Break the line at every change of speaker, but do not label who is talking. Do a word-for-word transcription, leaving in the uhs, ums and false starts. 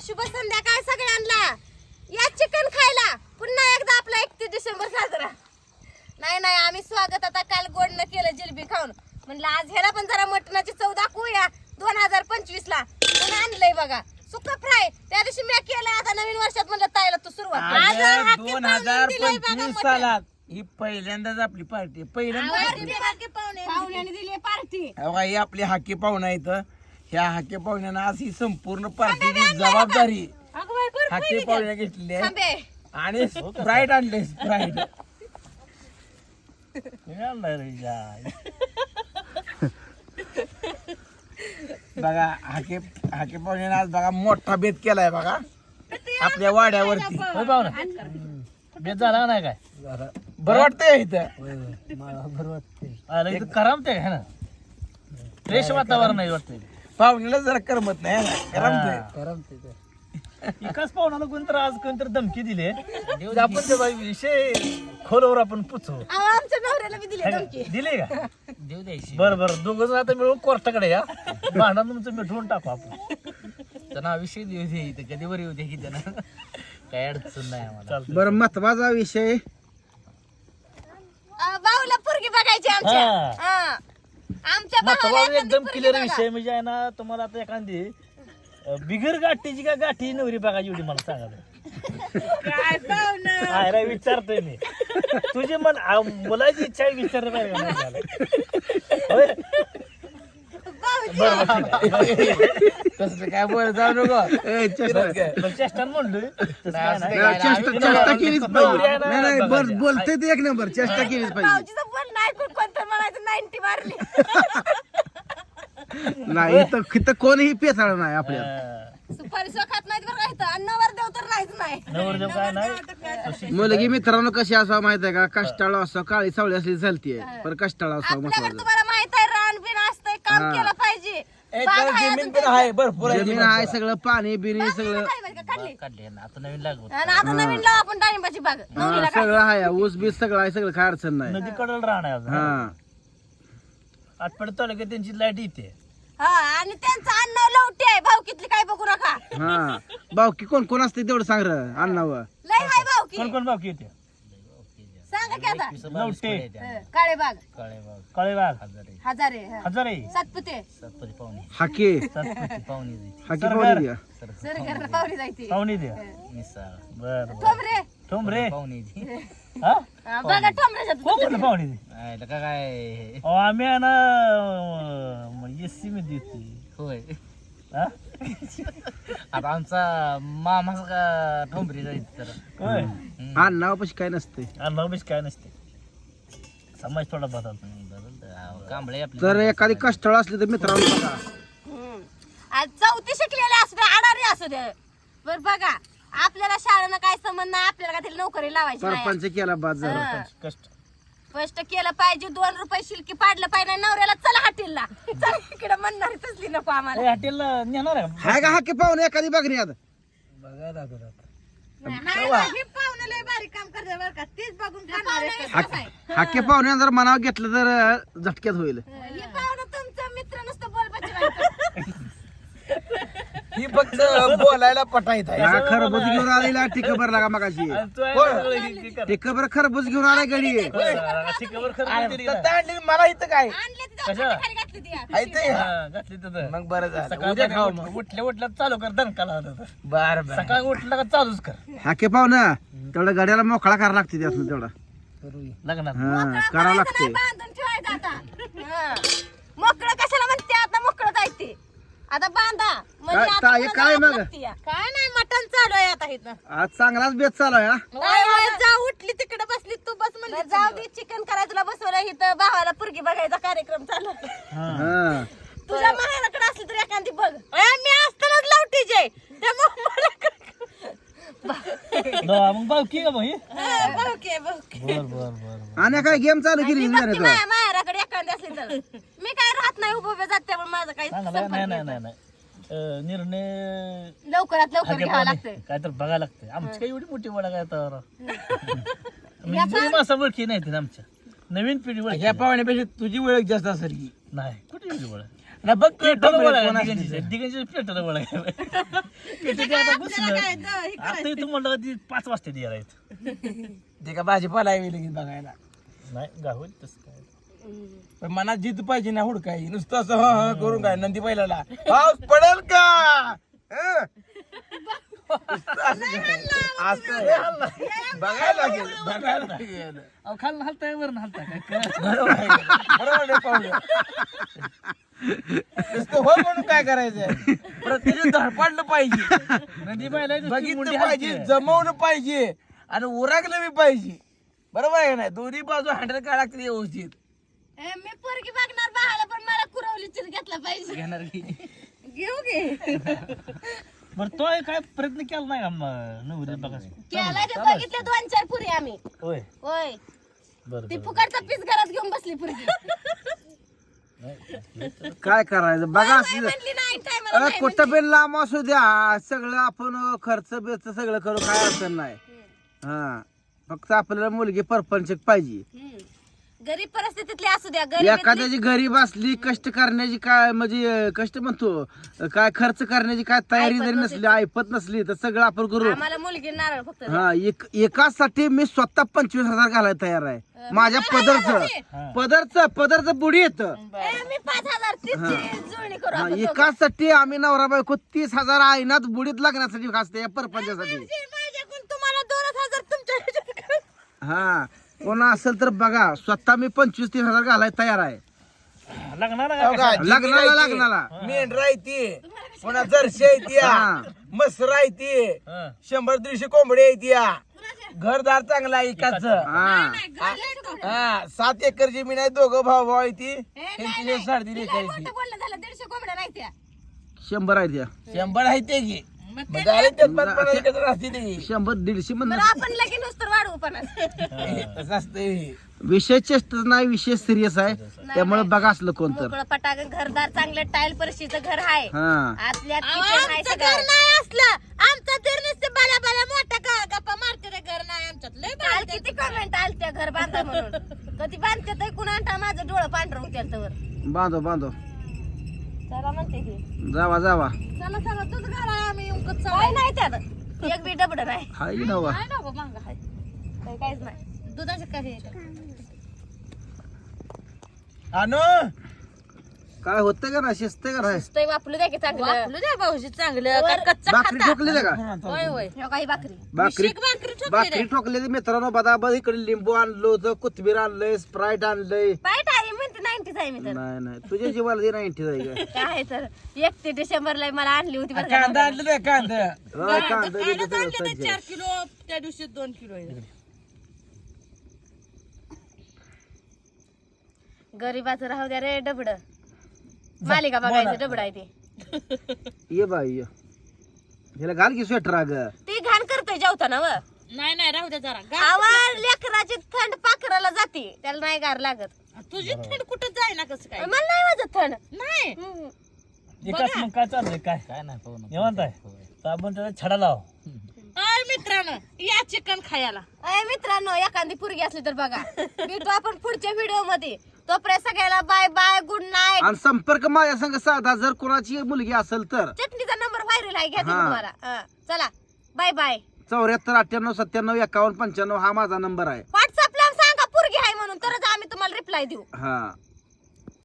शुभ संध्याकाळ सगळ्यांना. या चिकन खायला पुन्हा एकदा आपला एकतीस डिसेंबर साजरा. नाही नाही आम्ही स्वागत आता काल गोडनं केलं जिलेबी खाऊन. म्हणलं आज ह्याला पण जरा मटणाची चव दाखवूया. दोन हजार पंचवीस ला पण आणलंय बघा सुक फ्राय. त्या दिवशी मी केलं. आता नवीन वर्षात म्हणलं ताईला तू सुरुवात.
दोन हजार पंचवीस सालात ही पहिल्यांदाच आपली पार्टी. पहिल्यांदा
पाहुण्याने दिली पार्टी.
ही आपली हाके पाहुणा इथं. ह्या हाके पाहुण्यानं आज ही संपूर्ण पार्टीची जबाबदारी हाके पाहुण्या घेतलेली आहे. आणि स्प्राईट आणले स्प्राईट. बघा हाके हाके पाहुण्यानं आज बघा मोठा बेत केलाय बघा आपल्या वाड्यावरती.
बेत झाला नाही काय
बरं वाटतंय इथं.
बरं वाटतंय इथं करमते है ना. फ्रेश वातावरण आहे वाटतंय.
पाहुण्याला जरा करमत नाही ना. करमतंय
करमते एकाच पाहुणाला कोणतर आज कोणतर धमकी दिली. आपण त्याचा विषय खोलवर आपण पुचू.
आमच्या नवऱ्याला मी दिली धमकी.
दिले का देऊ द्यायची. बरं बरं दोघं जण आता मिळून कोर्टाकडे या. भांडण तुमचं मिठवून टाकू आपण. त्यांना विषय देऊ दे इथं कधी बरी होते की त्यांना काय अडचण नाही आम्हाला.
बरं महत्वाचा विषय
भाऊला पोरगी बघायची आमच्या. हा. आमच्या भावाला
एकदम
एखादी
क्लिअर
पोरगी
विषय म्हणजे आहे ना. तुम्हाला आता एखादी बिगर गाठीची का गाठी नवरी बघायची एवढी मला सांगा.
काय पाहुणं.
काय रे विचारतोय मी. तुझी मन आ, मुलाची इच्छा आहे विचार
तसं काय बोल जाऊ नको.
चेष्टा म्हणलोय
चेष्टा केलीच पाहिजे. नाही नाही बर बोलते ते एक नंबर. चेष्टा केलीच पाहिजे.
भाऊजीचं बोल नाही कोण कोणतं म्हणायचं नाईन्टी मारली.
नाही इथं इथं कोणीही पेसाळ नाही आपल्याला.
सुपारी सो खात नाहीत बरं का इथं. आणि नवरदेव तर नाहीच नाही.
नवरदेव काय नाही.
मुलगी मित्रांनो कशी असावं माहित आहे का. कष्टाळू असो काळी सावळी असली चालतीये पण कष्टाळू असावं
आपल्याकडे
महत्वाचं.
तुम्हाला माहित आहे रान बिन असतंय काम केलं पाहिजे. बाग आहे
जमीन
अजून
पण आहे भरपूर आहे.
जमीन आहे सगळं पाणी बिणी सगळं
काय बरं का काढली.
काढले ना आता नवीन लागवड.
आणि आता नवीन लाव आपण डाळिंबाची बाग.
हा,
नवरीला काय.
सगळं आहे ऊस बीस सगळं आहे. सगळं काय अडचण नाही.
नदी कडल राहणार
हा
आठवड तालुक्यात त्यांची लाईट येते.
हा आणि त्यांचं अन्न लवटी आहे. भाऊ कितली काय बघू नका.
हा बावकी कोण कोण असते तेवढं सांग र अण्णावं.
लय हाय भाऊ की.
कोण कोण बाकी येते.
सांगा की आता.
लवटे
हं, काळे बाग
कळेबाग
हजारे हं.
हजारे
सातपुते
हाके
पाहुणी
हाके पावली द्या.
सरकार पावली जायची.
पाहुणी द्या. बर बर
ठोंबरे
ठोंबरे हा
हा, बघा ठोंबऱ्याच्या
कोण पाहुणी दे काय आम्ही आहे ना एससी मध्ये होय.
आता आमचा मामा का ठोंबरी जायचं तर
होय.
अण्णावं पशी काय नसते.
अनुभवीच काय नसते. समाज थोडा बदलतो.
कांबळे आपली
तर एखादी कष्टाळ असली तर मित्रांनो बघा.
हं. आज चौथी शिकलेले असू दे अडाणी असू दे बर बघा. आपल्याला शाळेनं काय संबंध नाही. आपल्याला काय नोकरी लावायची नाही.
सरपंच केला बाद झाला.
हं.
कष्ट
कष्ट केलं पाहिजे. दोन रुपये शिल्की पाडलं पाहिजे. नवऱ्याला चला हाटीलला चल इकडे म्हणणारी तसली नको आम्हाला.
हॉटेलला नेणार आहे
हाय का हाके पाहुणे एखादी बघणी आता.
पाहुणे लय भारी काम करते बरं का. तीच बघून खाणार आहे.
हाके हाके पाहुणे जर मनावर घेतलं तर अं, झटक्यात होईल.
हे पाहुणं तुमचा मित्र नुसतं बोलपाची
ही फक्त बोलायला पटायत आहे.
हा खरबूज घेऊन आलेला टिकबर लागा मगाशी. टिकबर खरबूज घेऊन आलाय गडी.
आणली मला इथं काय
आणले तिथं खाली घातली ती.
आहे ते?
घातली तर
मग बरं झालं उद्या खाऊ मग.
उठल्या उठल्या चालू कर दणकाला
बर बर
सकाळी उठलं का चालूच कर
हाके पाहुणं तेवढं गड्याला मोकळा करायला लागते त्यातून तेवढा.
लग्नात.
हा करावं
करायचं नाही,
लागते.
बांधून ठेवायचं आता. हं. मोकळं कशाला म्हणते आता. मोकळं जायते आता बांधा म्हणजे
काय-
आता
काय-
पुढं
काय
जावं
मग?
लागते या. काय नाही मटण चालू आहे आता इथं.
आज चांगलाच बेत चालू आहे हा.
जा उठली तिकडे बसली तू बस म्हणली जाऊ दे. चिकन करायला तुला बसवलं इथं. भावाला पुरगी बघायचा कार्यक्रम चालू आहे.
हा
तुझ्या महाराकडे असली तर एखादी बघ. मी असतानाच लावटी जे
मग भावकी का मग ही?
भाऊके भाऊके
बर बर बर
आणि काय गेम चालू केली जाणे तो.
माझ्या माहेराकडे एखादी असली तर मी काय राहत नाही उभं उभं जाते पण माझं काही
चांगला आहे. नाही नाही नाही नाही अं, निर्णय
लवकरात लवकर घ्यावं लागतंय.
काय तर बघायला लागतंय. आमची काही एवढी मोठी वडा काय तर म्हणजे जुनी माणसं ओळखी नाही आमच्या. नवीन पिढी ओळखी
ह्या पाहुण्यापेक्षा तुझी ओळख जास्त असेल की.
नाही कुठे एवढी ओळख.
ना बघ की
पेटाला
ठोंबरे
बोलायला
कोण असते
दिगंजी
ते.
दिगंजी पेटाला बोलायला पेटी ते आता घुसलं आता तू म्हणलं ती पाच वाजता द्यायला आहेत
ते का भाजीपाला आहे लगेच बघायला
नाही गावल तसं काय
पण मनात जिद्द पाहिजे ना हुडकाई नुसतं असं ह ह करून काय नंदी बैलाला पाऊस पडेल का हं? नुसतं असं काय. असं बघायला लागेल बघायला लागेल
अहो खाल हलताय वरून हलता काय कळलं?
बरोबर आहे. बरोबर आहे पाहुणे. नुसतं हो म्हणून काय करायचंय प्रत्येक धडपडलं पाहिजे
नदी बायला
बघितलं पाहिजे जमवलं पाहिजे आणि उरागलं बी पाहिजे बरोबर आहे ना दोन्ही बाजू हँडल काय लागते व्यवस्थित
ए, मी पोरगी बघणार बाळाला पण मला कुरवली चिर घेतला पाहिजे
घेणार की
घेऊ घे
बरं तो काय प्रयत्न केला नाही का मग नवरी बघा
केला ते बघितले दोन चार पुरी आम्ही
होय
होय
बरं
ती फुकटचा पीस घरात घेऊन बसली पुरगी
काय करायचं बघा असं
म्हणली नाही काय मला
अ,
नाही
कुठं पण लांब असू द्या सगळं आपण खर्च बिर्च सगळं करू काय अडचण नाही हा फक्त आपल्याला मुलगी परपंच पाहिजे
हम्म. गरीब परिस्थितीतली असू द्या गरीब
एखाद्याची गरीब असली कष्ट करण्याची काय म्हणजे अं, कष्ट म्हणतो अं, काय खर्च करण्याची काय तयारी जरी नसली ऐपत नसली तर सगळं आपण करू
आम्हाला मुलगी नारळ फक्त द्या.
हा एक एकासाठी मी स्वतः पंचवीस हजार घालायला तयार आहे माझ्या पदरचं पदरचं पदरचं बुडी येतं
ए, मी पाच हजार तीसची जुळणी करू
हा,
आपण दोघं.
एकासाठी आम्ही नवरा बायको तीस हजार आईनात बुडीत लागण्यासाठी खासते या परपंचासाठी
माझी- माझ्याकडून तुम्हाला दोन हजार तुमच्या ह्याच्यात करू.
हा कोणा असेल तर बघा स्वतः मी पंचवीस तीस हजार घालायला तयार आहे
लागणार
हो
का
का?
लग्नाला
जिमी
लग्नाला
राहते, मेंढर आहे ती पुन्हा जर्शी आहे ती
हा.
मसर आहे ती
हं.
शंभर दीडशे कोंबडी आहे ती घरदार चांगला आहे एकाच
हा
हा सात एकर जमीन आहे दोघं भाऊ भाऊ आहे ती
ए, नाही,
त्यांची
नाही.
साडेतीन
लय
एकर आहे
मोठं बोलणं झालं दीडशे कोंबड्या नाही त्या
शंभर आहे त्या
ती शंभर आहे ते की मग झाले ते पण पण एकत्र असते ते
शंभर दीडशे
बरं
म्हणून
आपण लगेच नुसतं वाढवू पण
तसं असतंय
विषय चेष्ट नाही विषय सिरियस आहे त्यामुळे बघा असलं कोण तर
मोकळं पटाक घरदार चांगलं टाईल परशीचं घर आहे
हा
आतल्या आमचं घर नाही असलं आमचं घर नुसतं बाला बाला मोठा का गप्पा मारते रे घर नाही आमच्यात लय काल किती कमेंट आलत्या घर बांधा म्हणून कधी बांधते कुणा आणता माझं डोळं पांढरं होत्या तर
बांधो बांधो
चला म्हणते की
जावा जावा
चला चला तुझं घर आहे आम्ही उंकत काय नाही त्यात एक बी डबड नाही
हाय नवा
काय नको मांग आहे काही काहीच नाही दुधाचे काही
अनु
काय होतं का ना शिस्त का नाही
ते वापरू द्या की चांगलं वापरू द्या भाऊजी चांगलं का कच्चा
भाकरी ठोकली का
होय होय ह्यो काही भाकरी
भाकरी
भाकरी
भाकरी ठोकलेली मित्रांनो बदाबद इकडे लिंबू आणलं होतं कोथिंबीर आणलंय स्प्राईट आणलंय
बाईट आहे म्हणते नाईन्टीच आहे मी तर
नाही नाही तुझ्या जीवाला दे नाईन्टी जाय का
काय आहे तर एकतीस डिसेंबरला मला आणली होती बरं का.
कांदा आणलं नाही कांदा
हा, कांदा बिंदा सगळं सज्ज आहे.
किलो त्या दिवशी दोन किलो गरीबाचं राहू द्या रे डबड मालिका बघायचं डबड आहे ते
ये बाई ये ह्याला घाल की स्वेटर अग
ती घाण करतोय जेवताना व
नाही नाही राहू दे जरा
आवाज लेकराची थंड पाखराला जाते त्याला नाही गार लागत
तुझी थंड कुठं जाय ना कसं काय
मला नाही वाजत थंड
नाही
हम्म.
एकाच मग काय चाललंय काय
काय नाही पाहू ना.
निवांत आहे तर आपण त्याला छडा लाव
अय मित्रांनो या चिकन खायला
अय मित्रांनो एखादी पुरगी असली तर बघा भेटू आपण पुढच्या व्हिडिओ मध्ये तोपर्यंत सगळ्याला बाय बाय गुड नाईट
आणि संपर्क माझ्या संग साधा जर कोणाची मुलगी असेल तर
चटणीचा नंबर व्हायरल आहे घ्या तुम्ही
हा.
तुम्हाला हा, चला बाय बाय
चौऱ्याहत्तर अठ्ठ्याण्णव सत्त्याण्णव एकावन्न पंच्याण्णव हा माझा नंबर आहे
व्हॉट्सअपला सांगा पुरगी आहे म्हणून तरच आम्ही तुम्हाला रिप्लाय देऊ
हा